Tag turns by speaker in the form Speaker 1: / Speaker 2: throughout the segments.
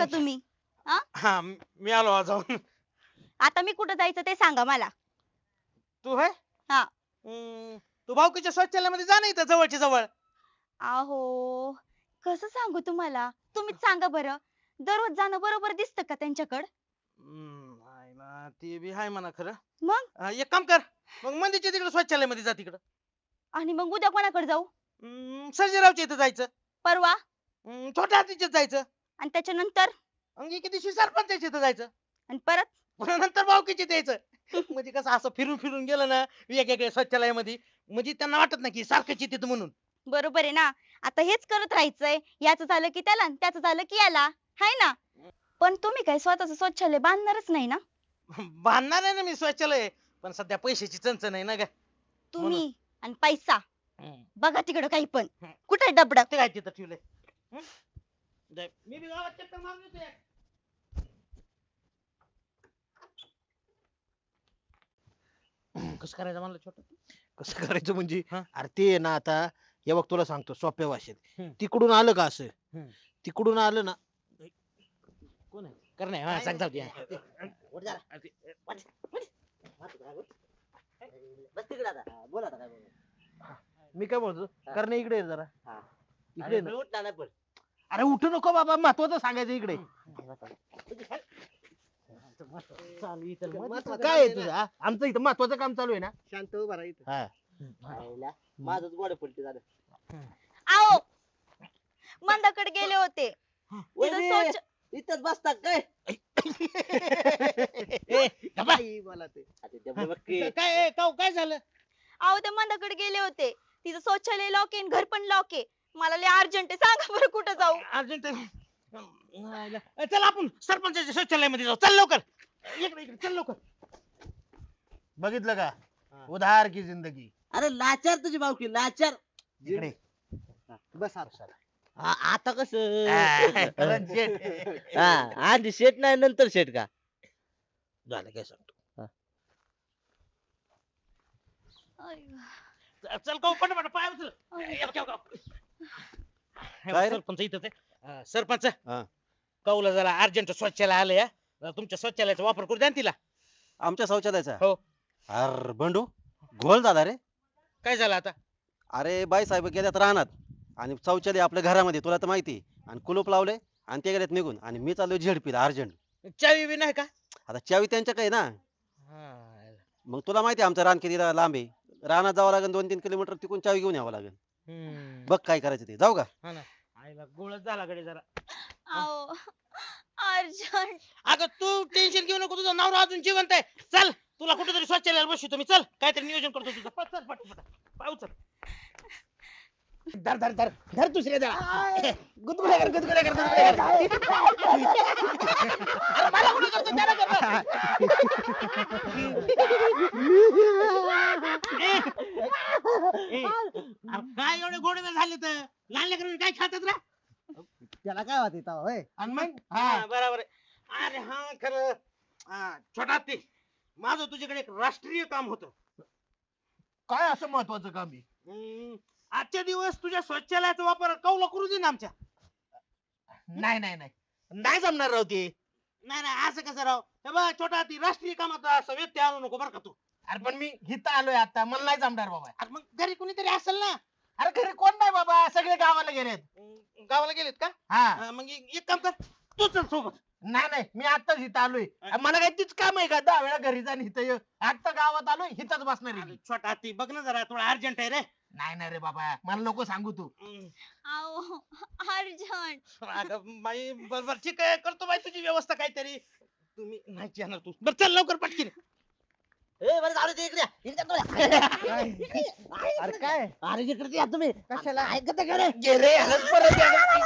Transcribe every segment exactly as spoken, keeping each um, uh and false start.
Speaker 1: का तुम्ही? हा
Speaker 2: हा मी आलो आज जाऊन.
Speaker 1: आता मी कुठं जायचं ते सांगा मला.
Speaker 2: तू है
Speaker 1: हा
Speaker 2: हम्म, तू भाऊकीच्या शौचालयामध्ये जा ना इथं जवळच्या जवळ.
Speaker 1: अहो कसं सांगू तुम्हाला, तुम्हीच सांगा बरं. दररोज जाणं बरोबर दिसतं का त्यांच्याकडं?
Speaker 2: हम्म, हाय ना ते बी हाय म्हणा खरं.
Speaker 1: मग
Speaker 2: हा, एक काम कर मग मंदिरच्या तिकडे शौचालयामध्ये जा तिकडं.
Speaker 1: आणि मग उद्या कोणाकडे जाऊ?
Speaker 2: हम्म, सर्जेरावच्या इथं जायचं.
Speaker 1: परवा
Speaker 2: हम्म, छोट्या हातीच्यात जायचं.
Speaker 1: आणि त्याच्यानंतर
Speaker 2: अंगी किती दिवशी सरपंचाच्या इथं जायचं.
Speaker 1: आणि परत
Speaker 2: पुन्हा नंतर भाऊकीच्या इथं यायचं. म्हणजे कसं असं फिरून फिरून गेलं ना वेगवेगळ्या शौचालयामध्ये, म्हणजे त्यांना वाटत नाही की सारखंच येते म्हणून.
Speaker 1: बरोबर आहे ना. आता हेच करत राहायचंय. याचं झालं की त्याला आणि त्याचं झालं की याला. हाय ना? पण तुम्ही काय स्वतःच शौचालय बांधणारच नाही ना?
Speaker 2: बांधणार आहे ना मी शौचालय, पण सध्या पैशाची चणचण आहे ना ग.
Speaker 1: तुम्ही आणि पैसा
Speaker 2: हम्म.
Speaker 1: बघा तिकडं काही पण.
Speaker 2: हम्म.
Speaker 1: कुठे डबड?
Speaker 2: ते काय तिथं ठेवलंय. हं? जाय. मी बी गावात चक्कर मारून येतोय. कसं करायचं म्हणलं छोटं.
Speaker 3: कसं करायचं म्हणजे
Speaker 2: हा?
Speaker 3: अरे ते आहे ना आता हे बघ तुला सांगतो सोप्या भाषेत
Speaker 2: हम्म.
Speaker 3: तिकडून आलं का असं
Speaker 2: हम्म.
Speaker 3: तिकडून आलं ना
Speaker 2: कोण आहे करणे हा सांग जाऊ दे.
Speaker 4: उठ जरा. बस तिकडे आता. हा, बोल आता काय बोल.
Speaker 3: मी काय बोलतो
Speaker 4: हा.
Speaker 3: करणे इकडे ये जरा
Speaker 4: हा.
Speaker 3: इकडे ये
Speaker 4: अरे,
Speaker 3: ना.
Speaker 4: उठ ना नाही पण.
Speaker 3: अरे उठू नको बाबा महत्वाचं सांगायचं इकडे
Speaker 2: चालू इथं
Speaker 4: महत्वाचं
Speaker 3: काय आहे
Speaker 4: काम
Speaker 3: तुझं
Speaker 4: ना.
Speaker 3: हा? आमचं इथं महत्वाचं काम चालू आहे ना
Speaker 4: शांत उभा राहा इथं.
Speaker 3: हा
Speaker 4: आईला, माझंच गोड पलटी झालं.
Speaker 1: आओ मंदाकडे गेले होते. तिथं
Speaker 4: वहिनी,
Speaker 1: शौच
Speaker 4: इथंच बसता काय?
Speaker 2: ए, गप्पा.
Speaker 4: काही बोला ते. आता डबडे बघ की.
Speaker 2: काय काय काय झालं.
Speaker 1: अहो ते मंदाकडे गेले होते. तिचं शौचालय लॉक आहे आणि घर पण लॉक आहे. मला लय अर्जंट आहे. सांगा बरं कुठं जाऊ?
Speaker 2: अर्जंट चल आपण सरपंचाच्या शौचालयामध्ये जाऊ. चल लवकर इकडे इकडे चल लवकर.
Speaker 3: बघितलं का
Speaker 4: हा.
Speaker 3: उधार की जिंदगी
Speaker 4: अरे लाचार तुझी भावकी लाचार.
Speaker 3: इकडे
Speaker 4: बस आता. आ- आता कस
Speaker 3: करण शेठ.
Speaker 4: आधी शेट नाही नंतर शेट का?
Speaker 3: झालं काय सांगतो
Speaker 2: चल का पटापट पाय उचल. ये बघ, ये बघ. हे बघ,
Speaker 5: काय रे?
Speaker 2: सरपंच इथंच आहे. अं, सरपंच
Speaker 5: हा.
Speaker 2: कौला जरा अर्जंट शौचालय आलं या. जरा तुमच्या शौचालयाचा वापर करू द्या ना तिला.
Speaker 5: आमच्या शौचालयाचा
Speaker 2: हो.
Speaker 5: अर बंडू घोळ झाला रे.
Speaker 2: काय झालं आता.
Speaker 5: अरे बाई साहेब गेल्यात राहणार आणि शौचालय आपल्या घरामध्ये तुला तर माहिती आणि कुलूप लावले आणि ते गेल्यात निघून आणि मी चाललोय झेडपीला अर्जंट.
Speaker 2: चावी बी नाही का.
Speaker 5: आता चावी त्यांच्याकडे ना.
Speaker 2: हा.
Speaker 5: मग तुला माहिती आहे आमचं रान किती लांब आहे. रानात जावं लागेल दोन तीन किलोमीटर तिकून चावी घेऊन यावं लागेल.
Speaker 2: हम्म.
Speaker 5: बघ काय करायचं ते जाऊ का.
Speaker 2: हा ना. आईला गोळच झाला कडे जरा.
Speaker 1: अहो अर्जंट.
Speaker 2: अगं तू टेन्शन घेऊ नको, तुझा नवरा अजून जिवंत आहे. चल तुला कुठेतरी शौचालयाला बसवतो मी. चल काहीतरी नियोजन करतो तुझं. पट चल पट पट पाय उचल. धर धर धर धर दुसऱ्या जरा. गुदगुल्या कर गुदगुल्या कर गुदगुल्या कर. अरे मला कुठे करतो त्याला कर. ए, ए, अरे काय एवढे गोडे झाले तर लहान लेकरांनी काय खातात रे.
Speaker 4: त्याला काय होत होय?
Speaker 2: आणि मग हा बरोबर आहे. अरे हा खरं हा, छोटा ते माझं तुझ्याकडे एक राष्ट्रीय काम होतं.
Speaker 3: काय असं महत्वाचं काम आहे
Speaker 2: हम्म, आजच्या दिवस तुझ्या शौचालयाचा वापर कौला करू दे ना आमच्या.
Speaker 3: नाही नाही नाही नाही जमणार राव ते
Speaker 2: नाही नाही असं कसं राव. हे बघ छोटा ती राष्ट्रीय कामात असं व्यत्यय आणू नको बरं का तू.
Speaker 3: अरे पण मी इथं आलोय आता मला नाही जमणार बाबा
Speaker 2: अरे मग घरी कोणीतरी असेल ना.
Speaker 3: अरे घरी कोण नाही बाबा सगळे गावाला गेलेत
Speaker 2: हम्म, गावाला गेलेत का.
Speaker 3: हा
Speaker 2: हा, मग एक एक काम कर तू चल सोबत.
Speaker 3: नाही नाही मी आताच इथं आलोय अरे मला काय तीच काम आहे का दहा वेळा घरी जा आणि इथं ये. आता गावात आलोय इथंच बसणार आहे
Speaker 2: अरे
Speaker 3: मी.
Speaker 2: छोटा ती बघ ना जरा थोडा अर्जंट आहे रे.
Speaker 3: नाही नाही रे बाबा मला नको सांगू तू
Speaker 2: हम्म,
Speaker 1: अहो अर्जंट.
Speaker 2: अगं बाई बरोबर ठीक आहे करतो बाई तुझी व्यवस्था काहीतरी. तुम्ही नाही येणार तू बरं चल लवकर पटकीन.
Speaker 4: ए बरं झालं ते इकडे या. इकडे या तुम्ही.
Speaker 3: अरे काय
Speaker 4: अरे इकडे या तुम्ही.
Speaker 3: कशाला?
Speaker 4: ऐकत का रे?
Speaker 3: गेले परत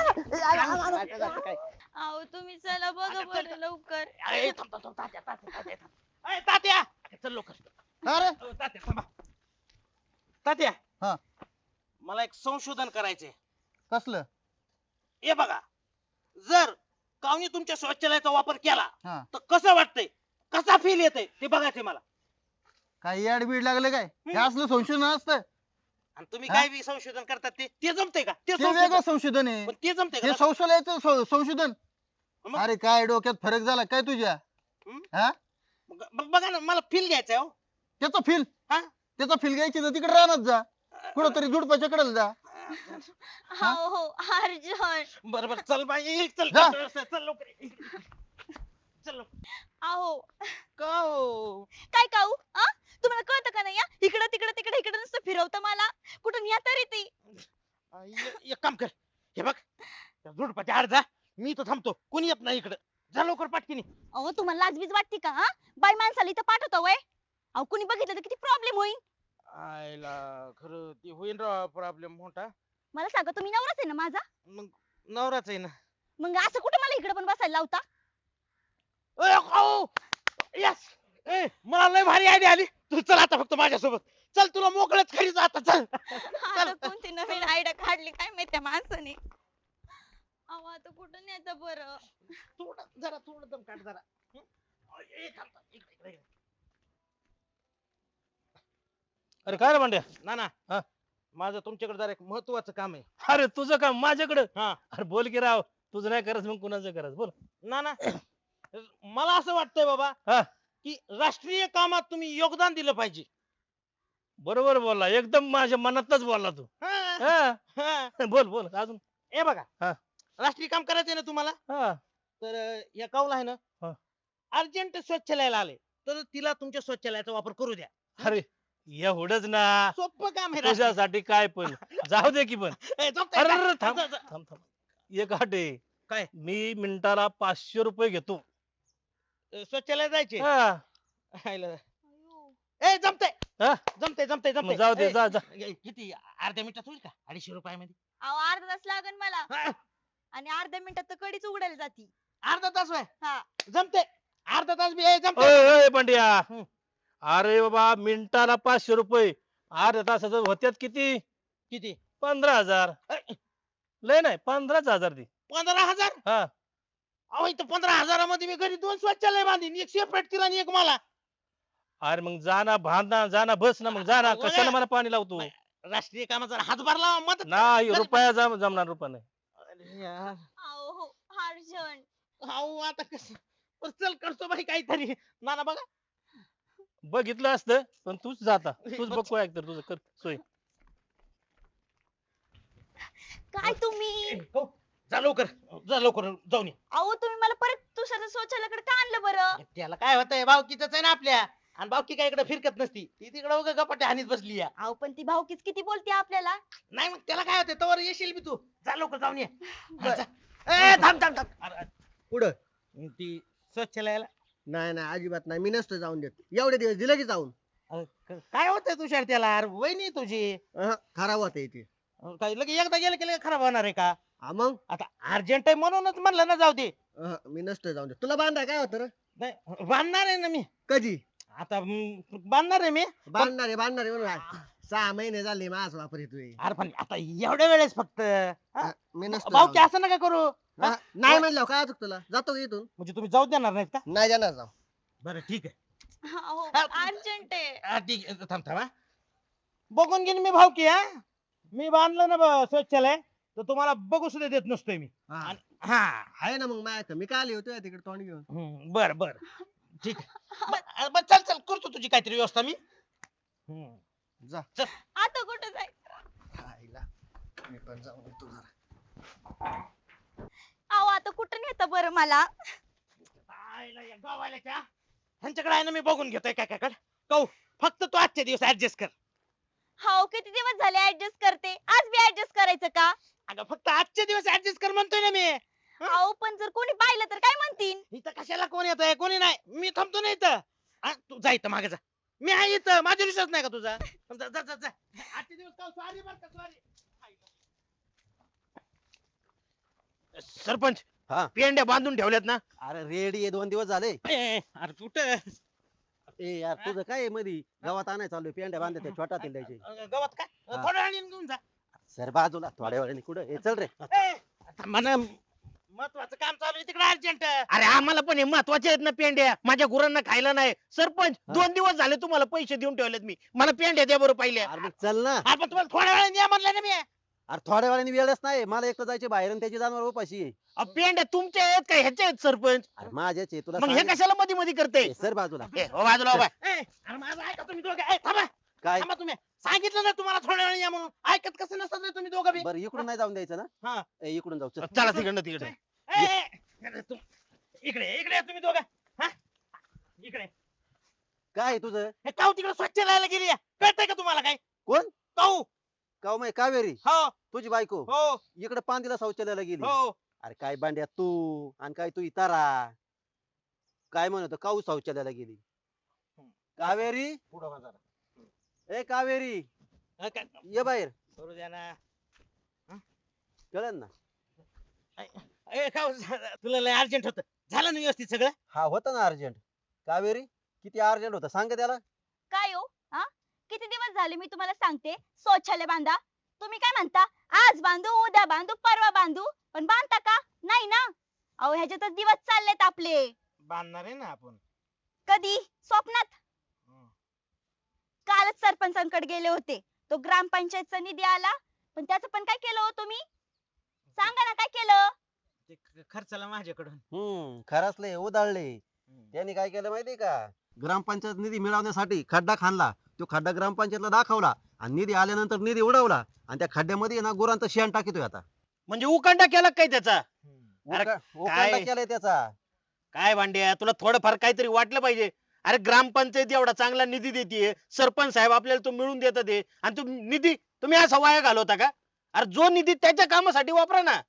Speaker 1: अहो तुम्ही चला बघा बरं लवकर.
Speaker 2: अरे थांब थांब थांब, तात्या तात्या तात्या थांब. अरे तात्या चल लवकर.
Speaker 3: अरे
Speaker 2: अ, तात्या थांबा. तात्या
Speaker 3: हा.
Speaker 2: मला एक संशोधन करायचंय.
Speaker 3: कसलं
Speaker 2: हे बघा जर कावनी तुमच्या शौचालयाचा वापर केला
Speaker 3: हा.
Speaker 2: तर कसं वाटतंय, कसा फील येतंय ते बघायचंय मला.
Speaker 3: काय याड बीड लागले काय हे असलं संशोधन असतं
Speaker 2: आणि तुम्ही
Speaker 3: हा?
Speaker 2: काय बी संशोधन करतात ते ते जमतंय का ते
Speaker 3: ते वेगळं
Speaker 2: संशोधन
Speaker 3: संशोधन आहे
Speaker 2: पण ते जमतंय
Speaker 3: हे
Speaker 2: का.
Speaker 3: शौचालयाचं सं- संशोधन मग?
Speaker 6: अरे काय डोक्यात फरक झाला काय तुझ्या
Speaker 3: हं?
Speaker 6: हा
Speaker 3: मग ब- बघा ना मला फील घ्यायचंय हो
Speaker 6: त्याचा फील
Speaker 3: हा?
Speaker 6: त्याचा फील घ्यायची तर तिकडे राहणार जा कुठंतरी जुडपाच्या कडेला जा
Speaker 1: हो हो अर्जुन
Speaker 3: बरं बरं चल बाई चल
Speaker 6: जा.
Speaker 3: चल चल लवकर इकडे. चल लवकर.
Speaker 1: अहो
Speaker 3: का हो
Speaker 1: काय काऊ आ तुम्हाला कळतं का नाही इकडं तिकडं तिकडे इकडे नुसतं फिरवतं मला कुठून या तरी ती
Speaker 3: आ, ए- एक काम कर हे बघ त्या झुडपाच्या आड जा मी इथं थांबतो कोणी येत नाही इकडं जा लवकर पाटकीनी
Speaker 1: अहो तुम्हाला लाजबीज वाटते का हा बाई माणसाला इथं पाठवतो वय अहो कुणी बघितलं तर किती प्रॉब्लेम होईल
Speaker 3: आयला खरं ते होईन राव प्रॉब्लेम मोठा
Speaker 1: मला सांगा तुम्ही नवराच आहे ना माझा
Speaker 3: मग नवराच आहे ना
Speaker 1: मग असं कुठं मला इकडे पण बसायला लावता
Speaker 3: यस ए मला लय भारी आयडिया आली तू चल आता फक्त माझ्यासोबत चल तुला मोकळच खरीच आता चल
Speaker 1: आता कोणती नवीन आयडिया काढली काय माहिती त्या माणसाने अहो आता कुठं न्यायचं बरं
Speaker 3: थोडं जरा थोडं दम काढ जरा हं? ए, थांब, थांब. इकडे, इकडे, इकडे.
Speaker 7: अरे काय रे भांड्या
Speaker 3: ना ना
Speaker 7: हा?
Speaker 3: माझं तुमच्याकडे जरा एक महत्वाचं काम आहे
Speaker 7: अरे तुझं काम माझ्याकडं
Speaker 3: हा
Speaker 7: अरे बोल की राव तुझं नाही करत मग कुणाचं करत बोल
Speaker 3: ना ना मला असं वाटतंय बाबा
Speaker 7: हा
Speaker 3: की राष्ट्रीय कामात तुम्ही योगदान दिलं पाहिजे
Speaker 7: बरोबर बोलला एकदम माझ्या मनातच बोलला तू
Speaker 3: हा,
Speaker 7: हा
Speaker 3: हा.
Speaker 7: बोल बोल अजून
Speaker 3: ए बघा
Speaker 7: हा.
Speaker 3: राष्ट्रीय काम करायचंय ना तुम्हाला
Speaker 7: हा
Speaker 3: तर अं, या काऊला आहे ना
Speaker 7: हा.
Speaker 3: अर्जंट स्वच्छालयाला आले तर तिला तुमच्या स्वच्छालयाचा वापर करू द्या
Speaker 7: अरे एवढंच ना
Speaker 3: सोपं काम आहे राष्ट्रीय.
Speaker 7: तुझ्यासाठी काय पण जाऊ दे की पण
Speaker 3: ए, झोपताय
Speaker 7: अरे
Speaker 3: का?
Speaker 7: अरे, थांब
Speaker 3: जा, जा.
Speaker 7: थांब थांब एक आठ आहे
Speaker 3: काय?
Speaker 7: मी मिनिटाला पाचशे रुपये घेतो
Speaker 3: अं, स्वच्छालयात जायचे
Speaker 7: हा
Speaker 3: हायला. ए जमतंय
Speaker 7: हा?
Speaker 3: जमतंय जमतंय
Speaker 7: मग
Speaker 3: जमतंय
Speaker 7: जाऊ दे
Speaker 3: ए,
Speaker 7: जा जा
Speaker 3: ए, किती अर्ध्या मिनिटात होईल का अडीचशे रुपयामध्ये
Speaker 1: अहो अर्धा तास लागेल मला
Speaker 3: हा,
Speaker 1: आणि अर्ध्या मिनिटात तर कडीच उघडायला जाती
Speaker 3: अर्धा तास होय
Speaker 1: हा
Speaker 3: जमतंय अर्धा तास बी ए, जमतंय
Speaker 7: ओय ओय पांड्या
Speaker 3: हम्म.
Speaker 7: अरे बाबा मिनिटाला पाचशे रुपये अर्ध्या तासाचं होत्यात किती
Speaker 3: किती
Speaker 7: पंधरा हजार
Speaker 3: ए,
Speaker 7: लय नाही पंधराच हजार ती
Speaker 3: पंधरा हजार
Speaker 7: हा
Speaker 3: अहो इथं पंधरा हजारामध्ये मी घरी दोन स्वच्छालय बांधीन एक सेपरेट तिला आणि एक मला
Speaker 7: अरे मग जाना बांधना जाना बस ना मग जाना
Speaker 3: अगं,
Speaker 7: कशाला मला पाणी लावतो
Speaker 3: राष्ट्रीय कामाचा हातभार लावा मदत करा.
Speaker 7: नाही
Speaker 3: गरीब-
Speaker 7: रुपया जम जमणार रुपया नाही
Speaker 3: अरे यार.
Speaker 1: अहो हो अर्जुन
Speaker 3: अहो आता कसं बरं, चल करतो बाई काहीतरी नाना बघा
Speaker 7: बघितलं असतं पण तूच जाता तूच बघ काय तर तुझं कर सोय
Speaker 1: काय तुम्ही
Speaker 3: ए, हो, जा लवकर जा लवकर जाऊन ये
Speaker 1: अहो तुम्ही मला परत तुषार शौचालयाकडे का आणलं बरं
Speaker 3: त्याला काय होतंय भावकीच आहे ना आपल्या आणि भावकी काय इकडे फिरकत नसती ती तिकडे उगा गपाटे हानीत बसली या
Speaker 1: अहो पण ती भाऊकीच किती बोलते आपल्याला
Speaker 3: नाही मग त्याला काय होतंय तवर येशील बी तू जा लवकर जाऊन ये हा, जा. ए थांब थांब थांब अरे, अरे,
Speaker 6: पुढं
Speaker 3: ती स्वच्छालयाला
Speaker 6: नाही नाही अजिबात नाही मी नसतो जाऊन देत एवढे दिवस दिले की जाऊन
Speaker 3: अरे, क- काय होतंय तुषार त्याला अरे वहिनी तुझी
Speaker 6: अहं, खराब होते इथे
Speaker 3: अरे, काय लगे एकदा गेलं की लगे खराब होणार आहे का
Speaker 6: हा मग
Speaker 3: आता अर्जंट आहे म्हणूनच म्हणलं ना जाऊ दे
Speaker 6: अहं, मी नसतो जाऊन देत तुला बांधाय काय होतं रे
Speaker 3: नाही बांधणार आहे ना मी
Speaker 6: कधी
Speaker 3: आता हम्म, बांधणार आहे मी
Speaker 6: बांधणार आहे बांधणार आहे म्हणून आहे. सहा महिने झाले माझ वापर येतोय
Speaker 3: अरे पण आता एवढ्या वेळेस फक्त हा?
Speaker 6: मी नसतो
Speaker 3: भाऊ की
Speaker 6: जाऊन
Speaker 3: असं नका करू
Speaker 6: देत. हा, नाही म्हणलं काय चुक तुला जातो का इथून
Speaker 3: म्हणजे तुम्ही जाऊ देणार नाहीत का
Speaker 6: नाही जाणार जाऊ
Speaker 3: बरं ठीक आहे
Speaker 1: अहो
Speaker 3: हा.
Speaker 1: अर्जंट आहे
Speaker 3: हा, ठीक आहे थांब थांब हा. बघून घेईन मी भाऊ की हा मी बांधलं ना ब- शौचालय तर तुम्हाला बघू सुद्धा देत नसतोय मी
Speaker 6: हा.
Speaker 3: आणि- हा
Speaker 6: आहे ना मग माझ्या मी काय आली होतो तिकडे तोंड घेऊन
Speaker 3: हम्म, बर बर ठीक आहे ब- ब- चल चल करतो तुझी काहीतरी व्यवस्था मी हम्म.
Speaker 6: जा
Speaker 1: आता कुठं जायचं
Speaker 6: आईला मी पण जाऊन येतो जरा
Speaker 1: अहो आता कुठं नेतं बरं मला
Speaker 3: आईला या गावाल्याच्या ह्यांच्याकडे आहे ना मी बघून घेतोय काय काय कौ फक्त तू आजच्या दिवस ऍडजस्ट कर
Speaker 1: हो किती दिवस झाले ऍडजस्ट करते आज बी ऍडजस्ट करायचं का
Speaker 3: अगं फक्त आजच्या दिवस ऍडजस्ट कर म्हणतोय ना मी
Speaker 1: अहो पण जर कोणी पाहिलं तर काय म्हणतील
Speaker 3: इथं कशाला कोण येतंय कोणी नाही मी थांबतो ना इथं हा, तू जा इथं मागे जा मी आहे इथं माझा विश्वास नाही का तुझा जा जा जा जा. आजचे दिवस का सॉरी बर का सॉरी सरपंच
Speaker 5: हा
Speaker 3: पेंड्या बांधून ठेवल्यात ना
Speaker 5: अरे रेडी आहे दोन दिवस झाले
Speaker 3: ए, ए, अरे कुठं
Speaker 5: ए यार तुझं काय आहे मधी गावात आणाय चालू पेंड्या बांधते छोटा तेल द्यायचे
Speaker 3: अ, गवत काय
Speaker 5: हा.
Speaker 3: थोड्या वेळाने घेऊन जा
Speaker 5: सर बाजूला थोड्या वेळाने कुठं ए, चल रे
Speaker 3: ए, आता मला महत्वाचं काम चालू आहे तिकडे अर्जंट अरे आम्हाला पण हे महत्वाचे आहेत ना पेंड्या माझ्या गुरांना खायला नाही सरपंच
Speaker 5: हा.
Speaker 3: दोन दिवस झाले तुम्हाला पैसे देऊन ठेवलेत मी मला पेंड्या द्या बरं पाहिल्या
Speaker 5: अरे मग चल ना
Speaker 3: आपण तुम्हाला थोड्या वेळाने द्या म्हणलं ना मी
Speaker 5: अरे थोड्या वेळाने वेळच नाही मला एकटं जायचे बाहेर आणि त्याची जनावर उपाशी आहे.
Speaker 3: अहो, पेंड्या तुमच्या आहेत का ह्याच्या आहेत सरपंच
Speaker 5: अरे माझ्याच आहे तुला
Speaker 3: मग हे
Speaker 5: सांगितलं.
Speaker 3: कशाला मध्ये मध्ये करते
Speaker 5: ए, सर बाजूला
Speaker 3: बाजूला उभा आहे. ए, अरे माझं ऐका तुम्ही दोघं ए, थांबा
Speaker 5: काय
Speaker 3: थांबा तुम्ही सांगितलं ना तुम्हाला थोड्या वेळ या म्हणून ऐकत कसं नसतं रे तुम्ही दोघं बी
Speaker 5: बरं इकडून नाही जाऊन द्यायचं ना
Speaker 3: हा
Speaker 5: ए, इकडून जाऊ चल.
Speaker 3: चला तिकडनं तिकडे ए, ए, ए, तुम- इकडे इकडे या तुम्ही दोघं हा इकडे
Speaker 5: काय आहे तुझं
Speaker 3: हे काऊ तिकडे स्वच्छ राहायला गेली आहे. कळतंय का तुम्हाला काय
Speaker 5: कोण
Speaker 3: काऊ
Speaker 5: काव माय कावेरी
Speaker 3: हो
Speaker 5: तुझी बायको
Speaker 3: हो
Speaker 5: इकडे पांदीला शौचालयाला गेली
Speaker 3: हो
Speaker 5: अरे काय बांड्या तू आणि काय तू इतारा काय म्हणतो काऊ शौचालयाला गेली कावेरी
Speaker 3: पुढं व्हा जरा.
Speaker 5: ए कावेरी
Speaker 3: हा, काय-
Speaker 5: ये बाहेर
Speaker 3: करू द्या ना
Speaker 5: कळलं ना
Speaker 3: ए काऊ तुला लय अर्जंट होत झालं ना व्यवस्थित सगळं
Speaker 5: हा होता ना अर्जंट कावेरी किती अर्जंट होता सांग त्याला
Speaker 1: काय हो हा किती दिवस झाले मी तुम्हाला सांगते शौचालय बांधा तुम्ही काय म्हणता आज बांधू उद्या बांधू परवा बांधू पण बांधता का नाही ना अहो ह्याच्यातच दिवस चाललेत आपले
Speaker 3: बांधणार आहे ना आपण
Speaker 1: कधी स्वप्नात कालच सरपंचांकडे गेले होते तो ग्रामपंचायतचा निधी आला पण त्याचं पण काय केलं हो तुम्ही सांगा ना काय केलं
Speaker 3: ते ख- खर्चाला माझ्याकडून
Speaker 5: हम्म खरंचले उधाळले त्यांनी काय केलं माहितीये का ग्रामपंचायत निधी मिळवण्यासाठी खड्डा खाणला तो खड्डा ग्रामपंचायतला दाखवला आणि निधी आल्यानंतर निधी उडवला आणि त्या खड्ड्यामध्ये ना गुरांचं शेण टाकितोय आता
Speaker 3: म्हणजे उकांडा केला काय त्याचा अरे
Speaker 5: उका- उकांडा
Speaker 3: काय?
Speaker 5: केलाय त्याचा
Speaker 3: काय भांड्या तुला थोडंफार काहीतरी वाटलं पाहिजे अरे ग्रामपंचायत एवढा चांगला निधी देते सरपंच साहेब आपल्याला तो मिळून देतात ते आणि तो निधी तुम्ही असा वाया घालवता का अरे जो निधी त्याच्या कामासाठी वापरा ना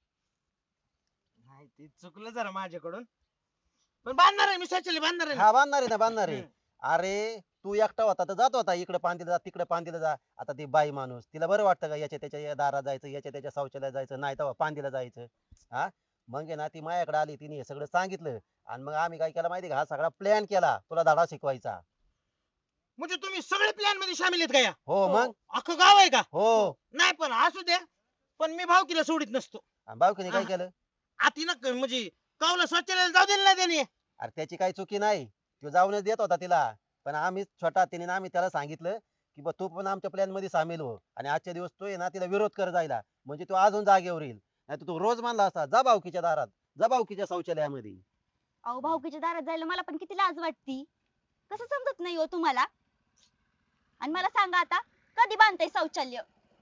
Speaker 3: नाही ते चुकलं जरा माझ्याकडून पण बांधणार आहे मी शौचालय बांधणार आहे ना.
Speaker 5: हा बांधणार आहे ना बांधणार आहे
Speaker 3: हम्म.
Speaker 5: अरे तू एकटा होता तर जात होता इकडे पांदीला जा तिकडे पांदीला जा आता ती बाई माणूस तिला बरं वाटतं का याच्या त्याच्या या दारात जायचं याच्या त्याच्या शौचालयात जायचं नाही तर पांदीला जायचं हा मग आहे ना ती माझ्याकडे आली तिने हे सगळं सांगितलं आणि मग आम्ही काय केलं माहिती का हा सगळा प्लॅन केला तुला धडा शिकवायचा
Speaker 3: म्हणजे तुम्ही सगळे प्लॅन मध्ये सामील आहेत का या
Speaker 5: हो मग
Speaker 3: अख्खं गाव आहे का
Speaker 5: हो
Speaker 3: नाही पण असू द्या पण मी भावकीला सोडित नसतो
Speaker 5: आणि बावकीने काय
Speaker 3: हा.
Speaker 5: केलं
Speaker 3: आती ना म्हणजे कावला शौचालयाला जाऊ दिलं ना त्याने
Speaker 5: अरे त्याची काही चुकी नाही तो जाऊनच देत होता तिला पण आम्ही छोटा तिने ना आम्ही त्याला सांगितलं की बा तू पण आमच्या प्लॅन मध्ये सामील हो आणि आजच्या दिवस तो आहे ना तिला विरोध कर जायला म्हणजे तो अजून जागेवर येईल नाही तो रोज मानला असता जा भावकीच्या दारात जा भावकीच्या शौचालयामध्ये
Speaker 1: अहो भाऊकीच्या दारात जायला मला पण किती लाज वाटती कसं समजत नाही हो तुम्हाला आणि मला सांगा आता कधी बांधताय शौचालय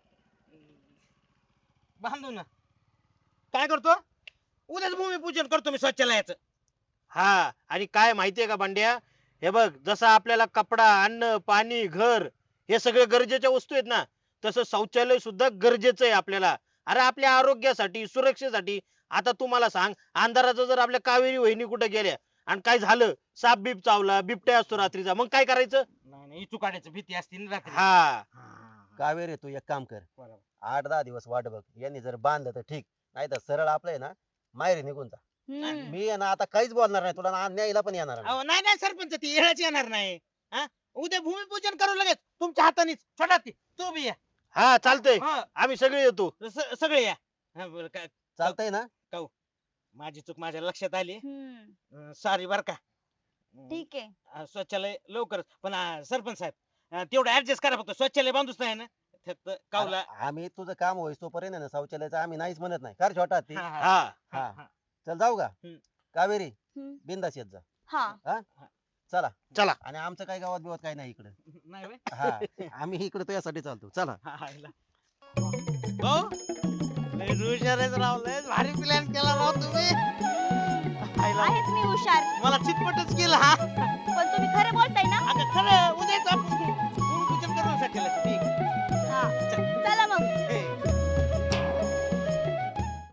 Speaker 3: बांधू ना काय करतो उद्याच भूमिपूजन करतो मी शौचालयाचं हा आणि काय माहितीये का भांड्या हे बघ जसं आपल्याला कपडा अन्न पाणी घर हे सगळे गरजेच्या वस्तू आहेत ना तसं शौचालय सुद्धा गरजेचं आहे आपल्याला अरे आपल्या आरोग्यासाठी सुरक्षेसाठी आता तुम्हाला सांग अंधाराचं जर आपल्या कावेरी वहिनी कुठे गेल्या आणि काय झालं साप बीप चावला बिबट्या असतो रात्रीचा मग काय करायचं नाही नाही चुकाड्याची भीती असते ना रात्री हा
Speaker 5: कावेरी तू एक काम कर
Speaker 3: बरोबर.
Speaker 5: आठ दहा दिवस वाट बघ यांनी जर बांधलं तर ठीक नाही तर सरळ आपलं आहे ना माहेरी निघून जा
Speaker 1: हम्म.
Speaker 5: मी आहे ना आता काहीच बोलणार नाही तुला ना न्यायला पण येणार नाही
Speaker 3: अहो, नाही नाही सरपंच ती येळच येणार नाही हा? उद्या भूमिपूजन करू लगेच तुमच्या हातानेच छोटा ती तू बी या हा चालतंय आम्ही सगळे येतो सगळे या हा, बरं, काय-
Speaker 5: चालतंय ना
Speaker 3: माझी चूक माझ्या लक्षात आली
Speaker 1: हम्म.
Speaker 3: सॉरी बर का अं,
Speaker 1: ठीक आहे
Speaker 3: अं, शौचालय लवकरच पण अं, सरपंच साहेब अं, तेवढं ऍडजस्ट करा फक्त शौचालय बांधूच नाही ना फक्त कावला
Speaker 5: अरे, आम्ही तुझं काम होईस तोपर्यंत आहे ना शौचालयाचं आम्ही नाहीच म्हणत नाही कर छोटा ती
Speaker 3: हा, हा,
Speaker 5: हा.
Speaker 3: हा.
Speaker 5: चल जाऊ का
Speaker 3: हम्म.
Speaker 5: कावेरी
Speaker 1: हम्म.
Speaker 5: बिंदास येत जा
Speaker 1: हा
Speaker 5: चला
Speaker 3: चला.
Speaker 5: आणि आमचं काही गावात बिवात काही नाही इकडे
Speaker 3: नाही व्हय?
Speaker 5: हा आम्ही इकडे तुझ्यासाठी चालतो चला
Speaker 3: हा, हा, इला. भाऊ, लय हुशार आहेस राव लय भारी प्लॅन केला राव तुम्ही आईला,
Speaker 1: आहेच मी हुशार
Speaker 3: मला चितपटच केला हा
Speaker 1: पण तुम्ही खरं बोलताय ना
Speaker 3: अगं खरं उद्याच आपण